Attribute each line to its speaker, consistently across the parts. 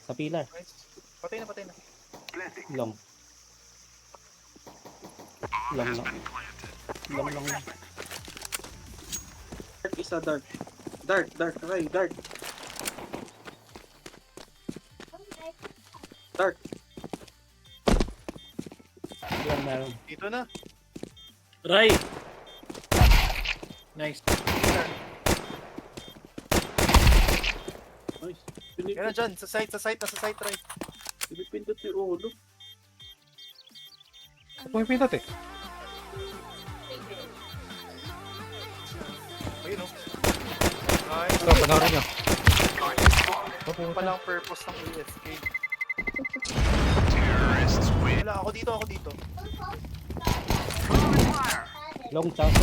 Speaker 1: Sa pillar.
Speaker 2: Nice. Patay na, patay na.
Speaker 1: Long. Long lang. Long lang.
Speaker 3: Dark isa, dark. Dark, okay, dark. Dark.
Speaker 1: Yan meron.
Speaker 2: Dito na.
Speaker 4: Right. Nice.
Speaker 3: Nice.
Speaker 2: Yan na dyan, sa site, nasa site right.
Speaker 3: Pinipindot yung ulo.
Speaker 5: Pumipindot eh.
Speaker 2: Ayun o. Nice.
Speaker 5: Ito, panoorin nyo.
Speaker 2: Yung palang purpose ng AFK. Wala, ako dito.
Speaker 1: Long chaso.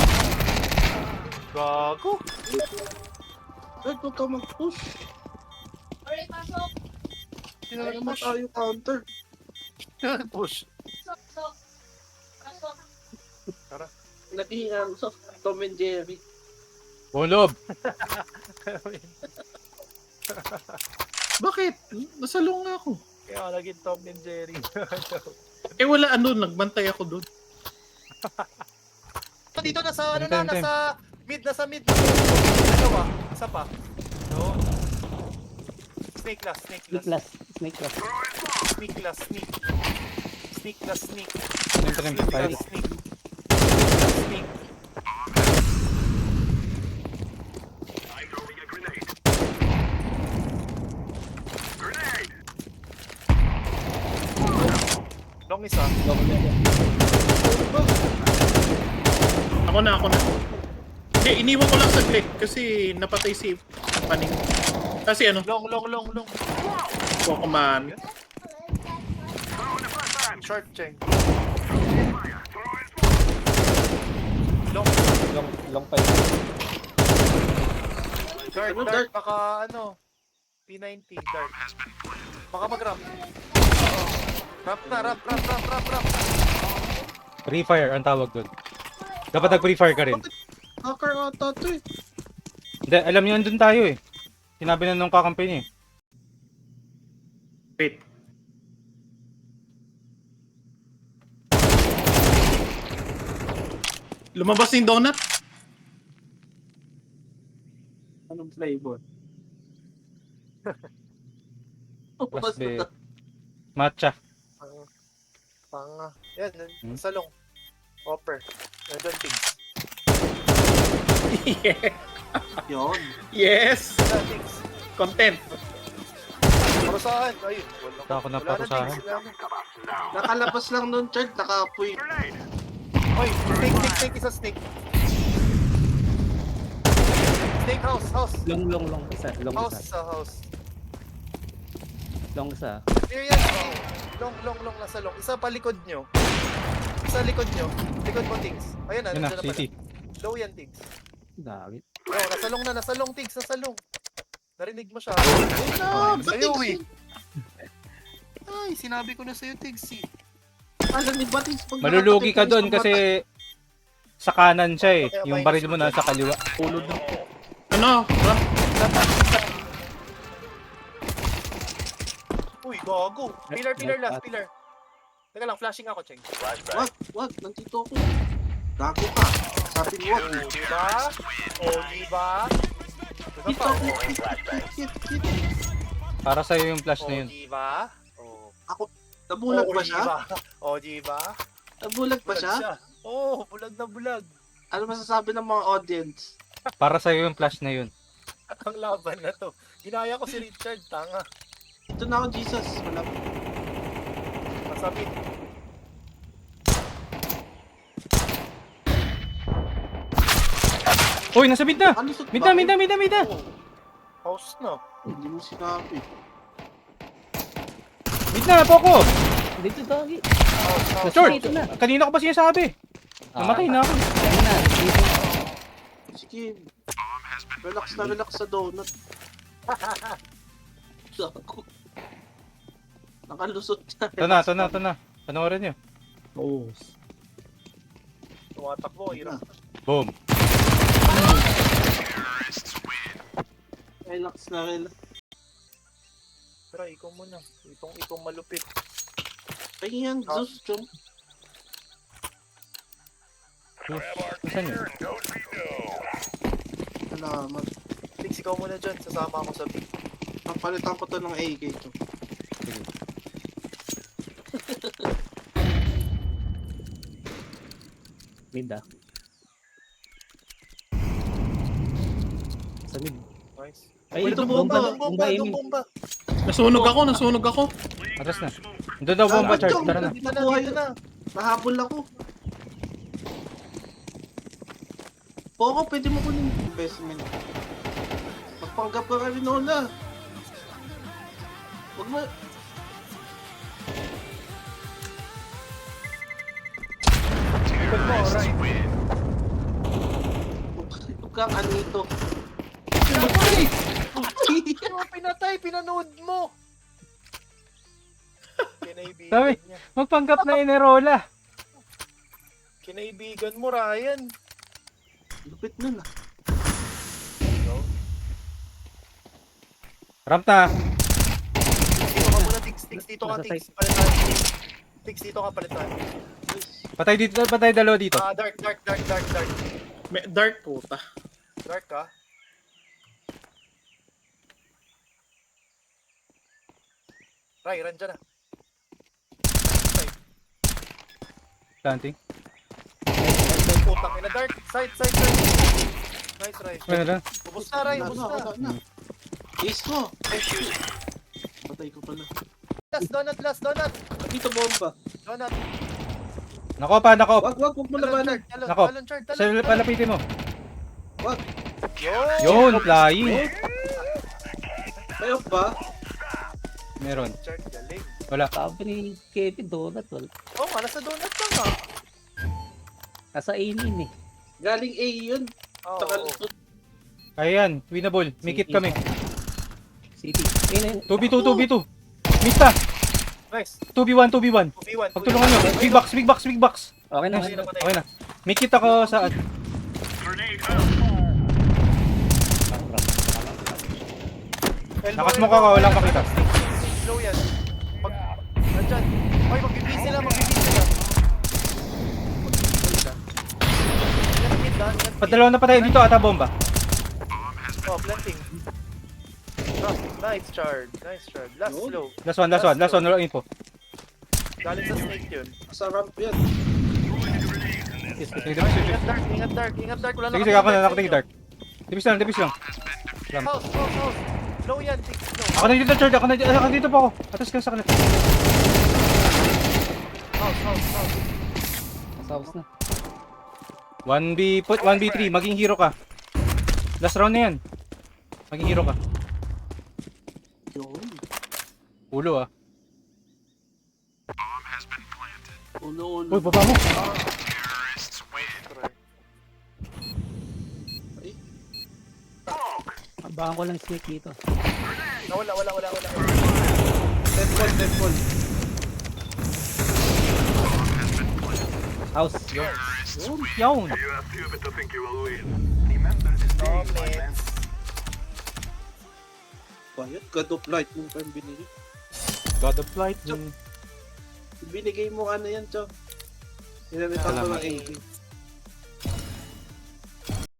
Speaker 2: Gago.
Speaker 3: Dark, huwag ka mag-push.
Speaker 6: Alright, pasok.
Speaker 2: Sino
Speaker 3: Kaya naman
Speaker 2: nag-push?
Speaker 3: tayo counter.
Speaker 2: Push.
Speaker 6: Pasok. Pasok.
Speaker 3: Naging so, Tom and Jerry.
Speaker 5: Bulob.
Speaker 4: Bakit? Nasalong nga ako.
Speaker 2: Kaya naging Tom and Jerry.
Speaker 4: Eh wala ano, nagbantay ako doon.
Speaker 2: Dito nasa ano
Speaker 5: Time,
Speaker 2: na,
Speaker 5: time.
Speaker 2: nasa mid. Dalawa, isa pa. No. Snake last.
Speaker 1: Snake last.
Speaker 2: Sneak last.
Speaker 5: Sneak.
Speaker 2: Long isa.
Speaker 1: Long yan.
Speaker 4: Ako na. Hindi, iniwan ko lang saglit kasi napatay si Paning. Kasi ano,
Speaker 2: Long.
Speaker 4: Pokemon.
Speaker 2: Short cheng. Long.
Speaker 1: Long pa yun.
Speaker 2: Dark, baka ano. P90, dark. Baka mag-ramp. Ramp na, ramp.
Speaker 5: Free fire ang tawag doon. Dapat nag-free fire ka rin.
Speaker 3: Hacker ata to eh.
Speaker 5: Hindi, alam niyo andun tayo eh. Sinabi na nung kakampi niya eh.
Speaker 4: Wait. Lumabas yung donut?
Speaker 3: Anong flavor?
Speaker 5: Plus B. Matcha.
Speaker 2: Panga. Yan,
Speaker 5: Hmm?
Speaker 2: salong. Hopper. Nandun, things.
Speaker 3: Yun.
Speaker 4: Yes!
Speaker 2: Things.
Speaker 4: Content.
Speaker 2: Parusahan. Ayun.
Speaker 5: Basta ako naparusahan.
Speaker 3: Nakalabas lang nun, Chard. Nakapoy.
Speaker 2: Oy, snake. Isa snake. Snake house.
Speaker 1: Long isa. Long
Speaker 2: House
Speaker 1: isa.
Speaker 2: sa house.
Speaker 1: Long isa.
Speaker 2: Here yan. Long. Nasa long. Isa pa likod nyo. Likod mo, things. Ayan na,
Speaker 5: Yun na,
Speaker 2: nandiyan na pala.
Speaker 5: city.
Speaker 2: Low yan, things.
Speaker 1: Dami.
Speaker 2: Oh, nasa long, things. Nasa long. Narinig mo siya.
Speaker 3: Ah, ba't
Speaker 2: Sa'yo,
Speaker 3: eh?
Speaker 2: Ay, sinabi ko na sa'yo, things.
Speaker 3: Alam ni Batis, pag
Speaker 5: Malulugi ka
Speaker 3: nakatabi
Speaker 5: doon
Speaker 3: sa mata-
Speaker 5: kasi sa kanan siya eh. Yung baril mo nasa kaliwa.
Speaker 4: Ulod na. Ano? Ramp.
Speaker 2: Uy, gago. Pillar last, pillar. Teka lang, flashing ako, Cheng.
Speaker 3: Wag, nandito ako. Gago ka. Sabi mo, wag.
Speaker 2: Oh, diba? Diba
Speaker 3: Dito
Speaker 2: pa?
Speaker 3: ako. Hit.
Speaker 5: Para sa'yo yung flash na yun.
Speaker 2: Diba? Oh.
Speaker 3: Nabulag ba siya?
Speaker 2: Diba?
Speaker 3: Nabulag ba siya?
Speaker 2: Oh, bulag na bulag.
Speaker 3: Ano masasabi ng mga audience?
Speaker 5: Para sa'yo yung flash na yun.
Speaker 2: Ang laban na to. Ginaya ko si Richard, tanga.
Speaker 3: Ito na ako, Jesus. Wala.
Speaker 2: Masabi.
Speaker 5: Uy, nasa mid na!
Speaker 3: Ano sa
Speaker 5: Mid na!
Speaker 2: Oh. House na.
Speaker 3: Hindi mo sinabi.
Speaker 5: Mid na, Poco!
Speaker 1: Dito doggy.
Speaker 2: House.
Speaker 5: Short!
Speaker 1: Dito na.
Speaker 5: Kanina ko pa sinasabi. Namatay na ako.
Speaker 1: Ayun na. Dito.
Speaker 3: Sige. Relax sa donut. Gago. Nakalusot na.
Speaker 5: Ito na. Panoorin nyo.
Speaker 1: Oh.
Speaker 2: Tumatakbo, hirap.
Speaker 5: Boom.
Speaker 3: Relax.
Speaker 2: Try, ikaw muna. Itong malupit.
Speaker 3: Ay yan, Zeus, chum.
Speaker 5: Saan yun?
Speaker 3: Salamat.
Speaker 2: Tix, ikaw muna dyan. Sasama ako sa B.
Speaker 3: Papalitan ko to ng AK, chum.
Speaker 1: Mid ah. Sa mid.
Speaker 2: Nice.
Speaker 1: Ay,
Speaker 3: Ito,
Speaker 1: bomba.
Speaker 3: bomba,
Speaker 1: Bomba,
Speaker 2: Itong
Speaker 1: Emil.
Speaker 2: bomba.
Speaker 4: Nasunog ako.
Speaker 5: Atras na. Doon daw bomba, Charles.
Speaker 3: Chum,
Speaker 5: Tara na.
Speaker 2: Dito na,
Speaker 3: Nakuha
Speaker 2: dito
Speaker 3: yun.
Speaker 2: na.
Speaker 3: Nahabol ako. Poco, pwede mo kunin yung investment. Magpanggap ka rin Nola. Huwag mo...
Speaker 2: Likod mo, right.
Speaker 3: Huwag kang anito.
Speaker 2: Oh, pinatay, pinanood mo.
Speaker 5: Sabi.
Speaker 2: Kinaibigan niya.
Speaker 5: Magpanggap na Inerola.
Speaker 2: Kinaibigan mo, Ryan.
Speaker 3: Lupit nun ah.
Speaker 5: Ramp na.
Speaker 2: Dito ka muna, Tix. Tix, dito ka,
Speaker 1: Nasa
Speaker 2: Tix. Palitan. Tix, dito ka, palitan.
Speaker 5: Patay dito, patay dalawa dito.
Speaker 2: Ah, dark.
Speaker 4: May dark puta.
Speaker 2: Dark ka. Ray, run dyan na.
Speaker 5: Planting.
Speaker 2: Putang ina, dark. Side. Nice, Ray.
Speaker 5: Ano na?
Speaker 2: Ubus na, Ray. Ubus
Speaker 3: Wala
Speaker 2: na.
Speaker 3: na. Ace mo. Patay ko pala.
Speaker 2: Last donut.
Speaker 3: Dito bomba.
Speaker 2: Donut.
Speaker 5: Nakopa, nakop.
Speaker 3: Wag mo labanan.
Speaker 5: Nako. Sa palapitin mo.
Speaker 2: Yun.
Speaker 5: Yun, flying.
Speaker 3: Kayo ba?
Speaker 5: Meron.
Speaker 2: Chard, galing.
Speaker 5: Wala.
Speaker 1: Sabi ni Kevin, donut. Wala.
Speaker 2: Oh, nasa donut lang ah.
Speaker 1: Nasa A-min eh.
Speaker 3: Galing A yun.
Speaker 2: Oo.
Speaker 3: Sa kalusot.
Speaker 5: Kaya yan, winnable. Make it kami.
Speaker 1: City. Ayun,
Speaker 5: 2v2, 2v2. Mista.
Speaker 2: Nice.
Speaker 5: 2v1.
Speaker 2: 2v1.
Speaker 5: Pagtulungan nyo. Big box.
Speaker 1: Okay na.
Speaker 5: Nice. Okay na. Make it ako sa... Nakasmoke ako, walang makita.
Speaker 2: Slow yan. Nandyan. Oy, mag-BB sila.
Speaker 5: Padalawa na patay dito ata bomba.
Speaker 2: Oh, planting. Ah, nice chard. Last
Speaker 3: Yun.
Speaker 2: slow.
Speaker 5: Last one. Wala info.
Speaker 2: Galing sa snake yun.
Speaker 3: Sa ramp yan.
Speaker 5: Sige, sige.
Speaker 2: Ingat dark. Wala
Speaker 5: Sige, ako na nakatingin dark. Tipis lang.
Speaker 2: House. Slow yan, Tix. Slow.
Speaker 5: Ako na dito, Chard. Ako dito pa ako. Atas ka sa kanila.
Speaker 2: House.
Speaker 1: Saus na.
Speaker 5: 1v3, maging hero ka. Last round na yan. Maging hero ka.
Speaker 3: Yun.
Speaker 5: Ulo ah.
Speaker 3: Ulo.
Speaker 5: Uy, baba mo.
Speaker 1: Abangan ko lang snake dito.
Speaker 2: Wala.
Speaker 3: Deadfall.
Speaker 1: House.
Speaker 5: Yawn.
Speaker 3: Bayad, God of Light yung pa yung binili.
Speaker 5: God of Light.
Speaker 3: Binigay mo ano yan, Chok. Pinalitan ko
Speaker 5: Salamat.
Speaker 3: ng AK.